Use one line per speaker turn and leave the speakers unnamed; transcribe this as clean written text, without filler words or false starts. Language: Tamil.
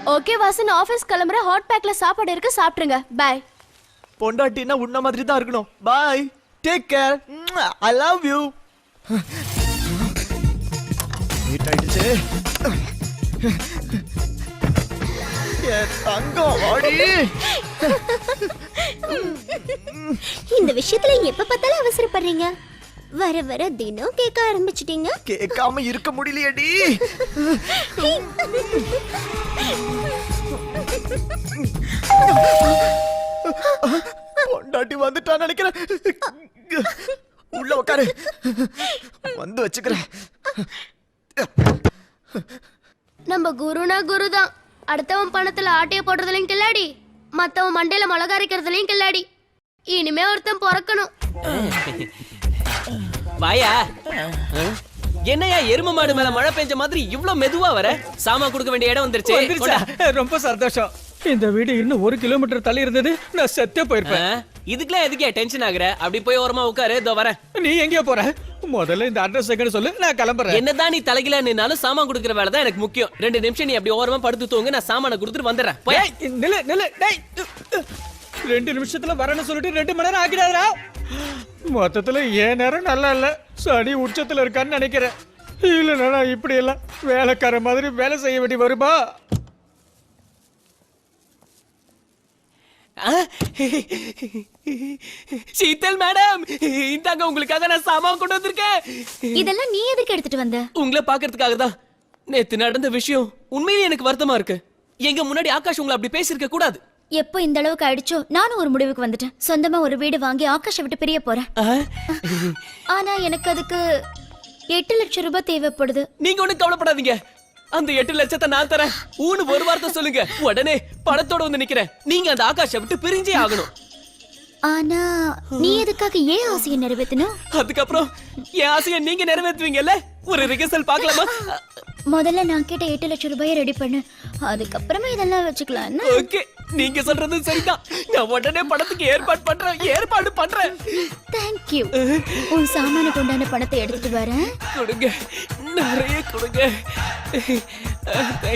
ஓகே வாசன், ஆபீஸ் கிளம்புற. ஹாட் பேக்ல சாப்பாடு இருக்கு, சாப்பிட்டுருங்க. பை.
பொண்டாட்டினா உன்ன மாதிரி தான் இருக்கணும். Bye, take care, I love you. Late ஆயிடுச்சு. தங்கம் வாடி.
இந்த விஷயத்துல எப்ப பார்த்தாலும் அவசரப்படுறீங்க. வர வர தினம் கேட்க ஆரம்பிச்சிட்டீங்க.
கேட்காம இருக்க முடியலையேடி. பொண்டாட்டி வந்துட்டான்னு நினைக்கிறேன். உள்ள உட்காரு, வந்து வச்சுக்கிறேன்.
நம்ம குருனா குருதான். அடுத்தவன் பணத்துல ஆட்டைய போடுறதுலயும் கில்லாடி, மத்தவன் மண்டையில மிளகா அரைக்கிறதுலயும் கில்லாடி. இனிமே ஒருத்தன் பிறக்கணும்.
வாயா. என்னையா எரும மாடு மேல மழை பெஞ்ச மாதிரி இவ்ளோ மெதுவா வர? சாமான் கொடுக்க வேண்டிய இடம் வந்துருச்சு.
ரொம்ப சந்தோஷம். இந்த வீடு இன்னும் 1 கிலோமீட்டர் தள்ளி இருந்தது, நான் செத்தே போயிருப்பேன்.
இதுக்கெல்லாம் எதுக்கே டென்ஷன் ஆகுற? அப்படி போய் ஓரமா உட்காரு, இதோ வரேன்.
நீ எங்க போற? முதல்ல இந்த அட்ரஸ் எங்கன்னு சொல்லு, நான் கிளம்புறேன்.
என்னதான் நீ தலைகில நின்னாலும் சாமான் கொடுக்கற வேலை தான் எனக்கு முக்கியம். 2 நிமிஷம் நீ அப்படி ஓரமா படுத்து தூங்க, நான் சாமான கொடுத்துட்டு வந்துடுறேன். போய்
நில்லு நில்லு. டேய், 2 நிமிஷத்துல வரேன்னு சொல்லிட்டு 2 மணி நேரம் ஆகிடாதா? மொத்தத்துல ஏன் நேரம் நல்லா இல்ல, சனி உச்சத்துல இருக்கான்னு நினைக்கிறேன். இல்லைன்னா இப்படி எல்லாம் வேலைக்கார மாதிரி வேலை செய்ய வேண்டி வருமா?
சீதல் மேடம், இந்தாங்க உங்களுக்காக நான் சாமான் கொண்டு வந்திருக்கேன்.
இதெல்லாம் நீ எதுக்கு எடுத்துட்டு வந்த?
உங்களை பாக்குறதுக்காக தான். நேத்து நடந்த விஷயம் உண்மையிலேயே எனக்கு வருத்தமா இருக்கு. எங்க முன்னாடி ஆகாஷ் உங்களை அப்படி பேசியிருக்க கூடாது.
எப்போ இந்த அளவுக்கு ஆயிடுச்சோ நானும் ஒரு முடிவுக்கு வந்துட்டேன். சொந்தமா ஒரு வீடு வாங்கி ஆகாஷை விட்டு பிரிய போறேன். ஆனா எனக்கு அதுக்கு 8 லட்சம் ரூபாய் தேவைப்படுது.
நீங்க ஒண்ணும் கவலைப்படாதீங்க, அந்த 8 லட்சத்தை நான் தரேன். ஒரு வார்த்தை சொல்லுங்க, உடனே பணத்தோட வந்து நிக்கிறேன். நீங்க அந்த ஆகாஷை விட்டு பிரிஞ்சே ஆகணும்.
ஆனா நீ எதுக்காக ஏன் ஆசையை நிறைவேற்றணும்?
அதுக்கப்புறம் என் ஆசையை நீங்க நிறைவேற்றுவீங்கல்ல? ஒரு ரிகர்சல் பார்க்கலாமா?
முதல்ல நான் கேட்ட 8 லட்சம் ரூபாயை ரெடி பண்ணு, அதுக்கப்புறமா இதெல்லாம் வச்சுக்கலாம்.
ஓகே, நீங்க சொல்றது சரிதான். நான் உடனே பணத்துக்கு ஏற்பாடு பண்றேன்.
தேங்க்யூ. உன் சாமான கொண்டான பணத்தை எடுத்துட்டு வரேன்.
கொடுங்க, நிறைய கொடுங்க.